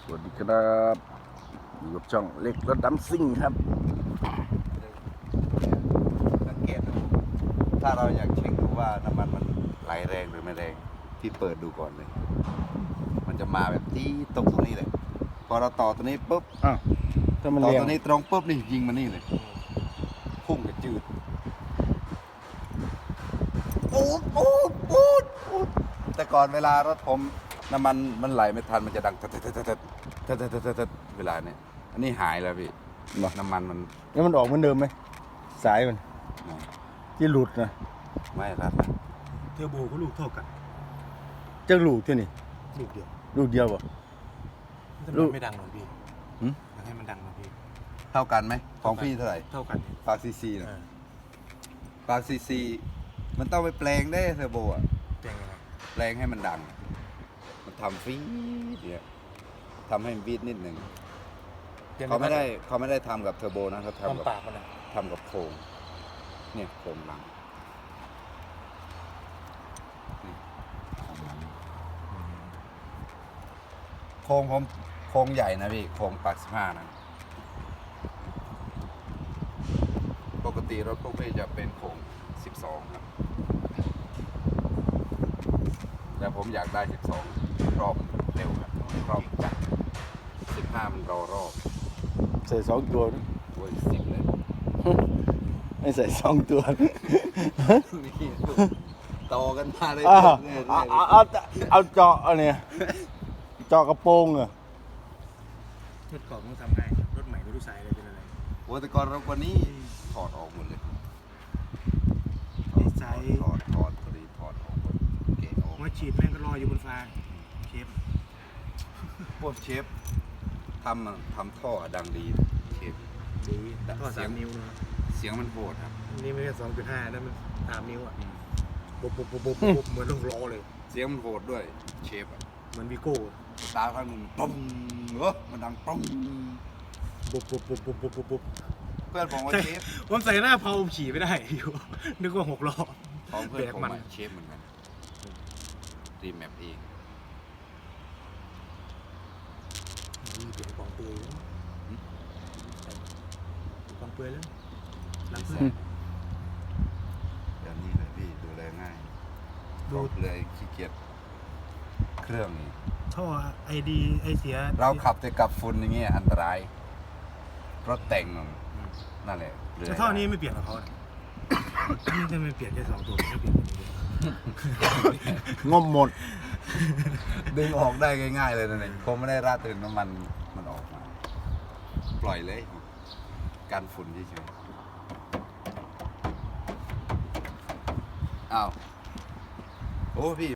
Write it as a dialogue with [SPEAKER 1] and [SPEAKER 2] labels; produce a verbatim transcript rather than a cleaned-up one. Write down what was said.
[SPEAKER 1] วัสดีครับอยู่กับช่องเล็กรถดำซิ่งครับ
[SPEAKER 2] สังเกตดูถ้าเราอยากเช็คดูว่าน้ำมันมันไหลแรงหรือไม่แรงพี่เปิดดูก่อนเลย มันจะมาแบบที่ตรงตรงนี้เลยพอเราต่อตัวนี้ปุ๊บ
[SPEAKER 1] อ้าวถ้ามัน
[SPEAKER 2] ต่อ
[SPEAKER 1] เรียง
[SPEAKER 2] ตัวนี้ตรงปุ๊บนี่ยิงมานี่เลยพุ่งกระจืดปูดปูดปูดปูดแต่ก่อนเวลารถผมน้ำมันมันไหลไม่ทันมันจะดังเตดเตดเตดเตดเตดเตดเตดเตดเวลาเนี่ยอันนี้หายแล้วพี่น้ำมันมัน
[SPEAKER 1] แล้วมันออกเหมือนเดิมไหมสายมันที่หลุดนะ
[SPEAKER 2] ไม่รัดนะ
[SPEAKER 3] เทอร์โบก็ลูกเท่ากัน
[SPEAKER 1] จะหลุดที่นี่
[SPEAKER 3] ลูกเดียว
[SPEAKER 1] ลูกเดียวบ่
[SPEAKER 3] แต่
[SPEAKER 1] ลู
[SPEAKER 3] มั
[SPEAKER 1] ก
[SPEAKER 3] นไม่ดังหรอกพี่อยากให้มันดังหรอกพี่
[SPEAKER 2] เท่ากันไหมของพี่เท่าไหร่
[SPEAKER 3] เท่ากันพี่
[SPEAKER 2] ปาซีซีนะ
[SPEAKER 3] เออ
[SPEAKER 2] ปาซีซีมันต้องไปแปลงได้เทอร์โบอ่ะ
[SPEAKER 3] แจ้งยังไง
[SPEAKER 2] แปลงให้มันดัง มันทำฟีดเนี่ยทำให้มันบีดนิดหนึ่งเขาไม่ได้เขาไม่ได้ทำกับเทอร์โบนะเขา
[SPEAKER 3] ความ
[SPEAKER 2] ทำกับ
[SPEAKER 3] ปากมันนะ
[SPEAKER 2] ทำกับโครงเนี่ยโครงหลังนี่โครงผมโครงใหญ่นะพี่โครงปากสิบห้านะปกติรถพวกพี่จะเป็นโครงสิบสองครับแต่ผมอยากได้สิบสองรอบเร็วครับรอบจัดสิบห้ามันรอรอบ
[SPEAKER 1] ใส่สองตัวนะ
[SPEAKER 2] โอ้ยสิบเลย
[SPEAKER 1] ไม่ใส่สองตัว
[SPEAKER 2] นี่ต่อกันมาเลย
[SPEAKER 1] อ้าว
[SPEAKER 2] เรื่อยๆ
[SPEAKER 1] เอาเอาเอาเอาเจาะเอาเนี่ยเจาะกระโปรงเหรอ
[SPEAKER 3] รถเก่าต้องทำไงรถใหม่ไม่รู้สายอะไรเป็นอะไร
[SPEAKER 2] โอ้แต่ก่อนเรากว่านี้ถอดออกหมดเลย
[SPEAKER 3] ดีไซน์
[SPEAKER 2] ถอดถอดถอดตัวนี้ถอดออกหมดเกะออก
[SPEAKER 3] หัวฉีดแม่งก็ลอยอยู่บนฟ้าเชฟ
[SPEAKER 2] พวกเชฟทำอะทำท่อดังดีเชฟ
[SPEAKER 3] ดีท่อสามนิ้วนะ
[SPEAKER 2] เสียงมันโหดครับ
[SPEAKER 3] นี่ไม่ใช่สองจุดห้านั่นมันสามนิ้วอ่ะปุ๊บปุ๊บปุ๊บปุ๊บปุ๊บเหมือนรถล้อเลย
[SPEAKER 2] เสียงมันโหดด้วยเชฟอะ
[SPEAKER 3] เหมือนวีโก้
[SPEAKER 2] ตาข้างหนึ่งปุ้งเออมันดังปุ้ง
[SPEAKER 3] ปุ๊บปุ๊บปุ๊บปุ๊บปุ๊บปุ๊บปุ๊บ
[SPEAKER 2] เพื่อนผมว่าเชฟ
[SPEAKER 3] ผมใส่หน้าเผาขี่ไม่ได้อยู่นึกว่าหกล้อ
[SPEAKER 2] ของเพื่อนผม
[SPEAKER 3] แบกมัน
[SPEAKER 2] อะเชฟเหมือนกันรีแมปเอง
[SPEAKER 3] นี่เปลี่ยนกองเปลือยแล้วกองเปลือยแล้วรักเพื่อน
[SPEAKER 2] แบบนี้เลยพี่ดูแลง่าย
[SPEAKER 3] ดู
[SPEAKER 2] บอกเลยขี้เกียจเครื่องนี่
[SPEAKER 3] ท่อไอดีไอเสีย
[SPEAKER 2] เราขับแต่กับฝุ่นอย่างเงี้ยอันตรายรถแต่งนั่นแหละเหลื
[SPEAKER 3] แต่ท่อนี้ไม่เปลี่ยนกับเขานะนี่จะไม่เปลี่ยนแค่สองตัวไม่เปลี่ยนคนนี้เลย
[SPEAKER 1] งมหมด
[SPEAKER 2] ดึงออกได้ง่ายๆเลยนั่นเองผมไม่ได้ราดถึงน้ำมันมันออกมา ปล่อยเลยการฝุ่นเฉยๆอ้าวโอ้พี่